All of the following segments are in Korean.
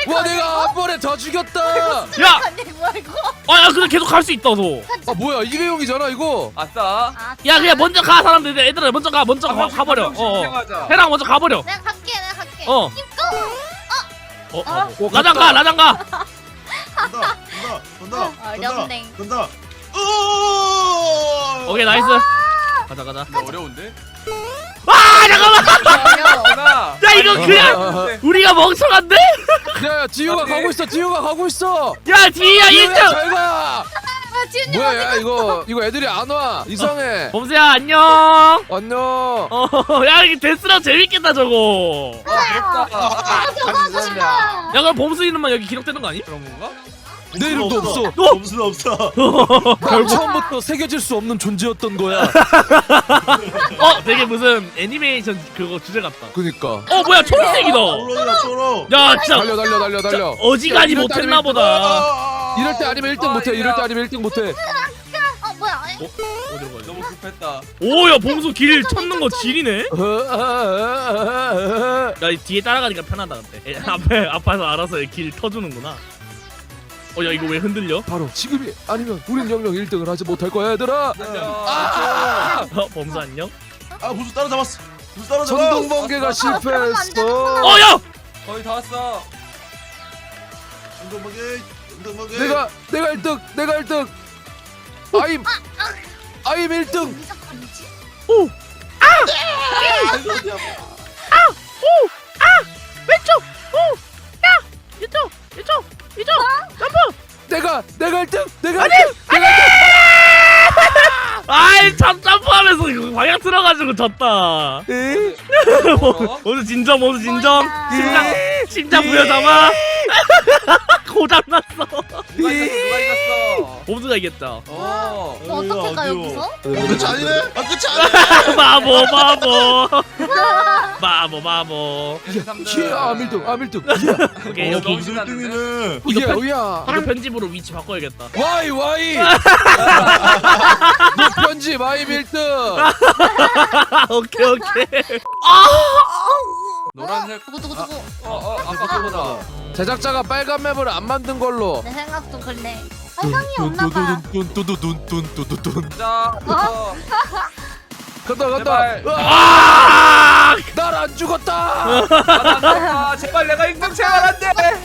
와 내가 한 번에 다 죽였다. 야! 아니 뭐야 이거? 야 근데 계속 갈 수 있다 너. 아 뭐야 일회용이잖아 이거. 아싸. 야 그냥 먼저 가 사람들. 얘들아 먼저 가버려. 해랑 먼저 가버려. 내가 갈게. 어. 입고. 라장 가. 간다. 어렵네. 간다. 오케이 나이스. 가자. 나 어려운데? 아 잠깐만. 어려워. 하나. 야 이거 그냥 우리가 멍청한데? 야 지우가 가고 있어. 지우가 가고 있어. 야 뒤야 1등. 잘 가. 아 지훈이 뭐야 야 이거 애들이 안 와. 이상해. 범수야 안녕. 안녕. 야 이게 데스랑 재밌겠다 저거. 부럽다. 하고 싶어. 야 그럼 범수 이름만 여기 기록되는 거 아니? 그런 건가? 내 이름도 없어. 범수는 없어. 난 처음부터 새겨질 수 없는 존재였던 거야. 되게 무슨 애니메이션 그거 주제 같다. 그니까. 뭐야 초록색이다. 초록. 야 진짜 달려. 어지간히 이럴 때 못했나 아니면 보다. 이럴 때 아니면 1등 못해. 이럴 때 아니면 1등 못해. 뭐야? 어디로 가야 돼? 너무 급했다. 오야 범수 길 찾는 거 지리네. 야 이 뒤에 따라가니까 편하다 근데. 앞에서 알아서 길 터주는구나. 야 이거 왜 흔들려? 바로 지금이 아니면 우린 영영 1등을 하지 못할 거야 얘들아. 범수 안녕? 범수 따라잡았어. 범수 따라잡았어. 전동번개가 실패했어. 야! 거의 다 왔어. 운동번개. 내가 1등. 아임 1등. 미적거리지? 왼쪽! 이쪽! 점프! 내가 1등. 아이 참 점프하면서 이거 방향 틀어가지고 졌다. 모두 진정. 심장 부여잡아. 고장났어. 누가 이겼어? 범수가 이겼다. 어떻게 가 여기서? 끝이 아니네. 끝이 아니네. 바보. 암 1등. 오케이 여기 범수 1등이네. 우야. 이거 편집으로 위치 바꿔야겠다. 와이. 너 편집 아임 1등. 오케이. 노란색. 누구? 아까 그거다. 제작자가 빨간 맵을 안 만든 걸로. 내 생각도 그래. 빨강이 없나봐. 자. 간다. 제발. 날 안 죽었다. 아, 제발 내가 1등 제발 안 돼.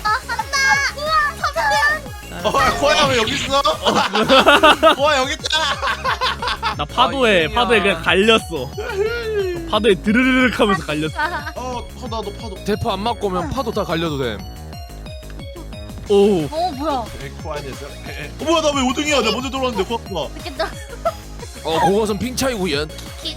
코아야 왜 여기 있어? 코아 여기 있잖아. 나 파도에 그냥 갈렸어. 파도에 드르르륵 하면서 갈렸어. 나도 파도. 대포 안 맞고 오면 파도 다 갈려도 돼. 오. 뭐야? 코아 아니었어? 뭐야 나 왜 5등이야? 나 먼저 들어왔는데 코아가. 이렇게 너 그것은 핑 차이구연.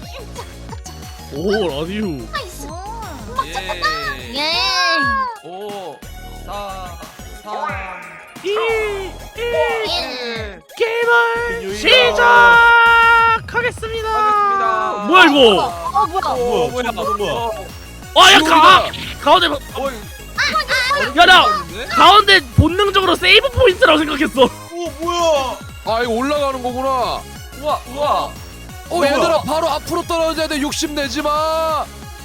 오 라디오. 나이스. 예. 예. 5, 4, 3, 2, 1 예. 게임을 시작하겠습니다. 하겠습니다. 뭐야 이거? 뭐야? 뭐야? 야 가운데 야, 나 가운데 본능적으로 세이브 포인트라고 생각했어. 뭐야? 아 이거 올라가는 거구나. 우와. 얘들아 바로 앞으로 떨어져야 돼. 욕심 내지 마.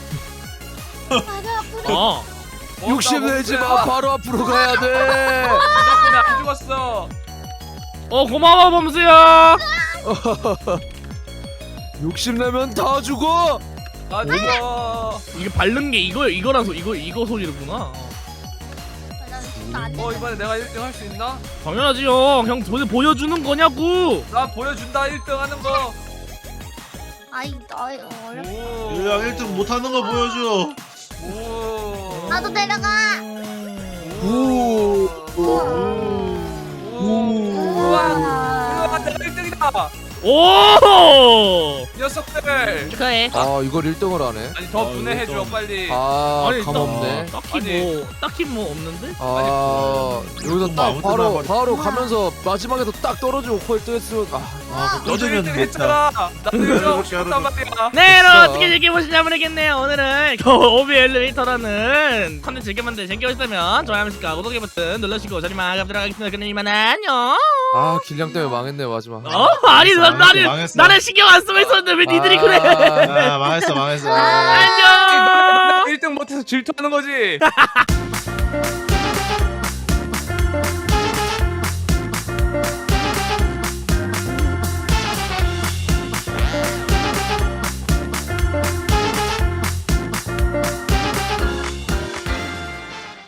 욕심 내지 마. 바로 앞으로 가야 돼. 덕분에 안 죽었어. 고마워 범수야. 욕심 내면 다 죽어. 다 죽어. 이게 바른 게 이거라서 이거 소리구나. 이번에 내가 1등 할 수 있나? 당연하지 형 도대체 보여주는 거냐고. 나 보여준다 1등 하는 거. 아이 나 어렵. 유양 1등 못하는 거 보여줘. 오. 나도 내려가. 우와, 내가 1등이다. 오 녀석들. 축하해. 이걸 1등을 하네. 아니 더 분해해줘 빨리. 감없네. 딱히 뭐 없는데? 여기서 뭐 딱 아무튼 바로 말이야. 가면서 마지막에도 딱 떨어지고 코에 뜨겠으면 너도 1등 했잖아. 나도 1등 하고 싶단 말이야. 네 여러분 어떻게 즐겨보시는지 모르겠네요. 오늘은 오비 엘리베이터라는 컨텐츠 즐겨보셨다면 좋아요 한 번씩 구독 버튼 눌러주시고 저는 마감하도록 하겠습니다. 그럼 이만 안녕. 길냥 때문에 망했네 마지막. 아니 망했어. 나는 신경 안 쓰고 있었는데 왜 니들이 그래? 망했어. 안녕. 1등 못해서 질투하는 거지.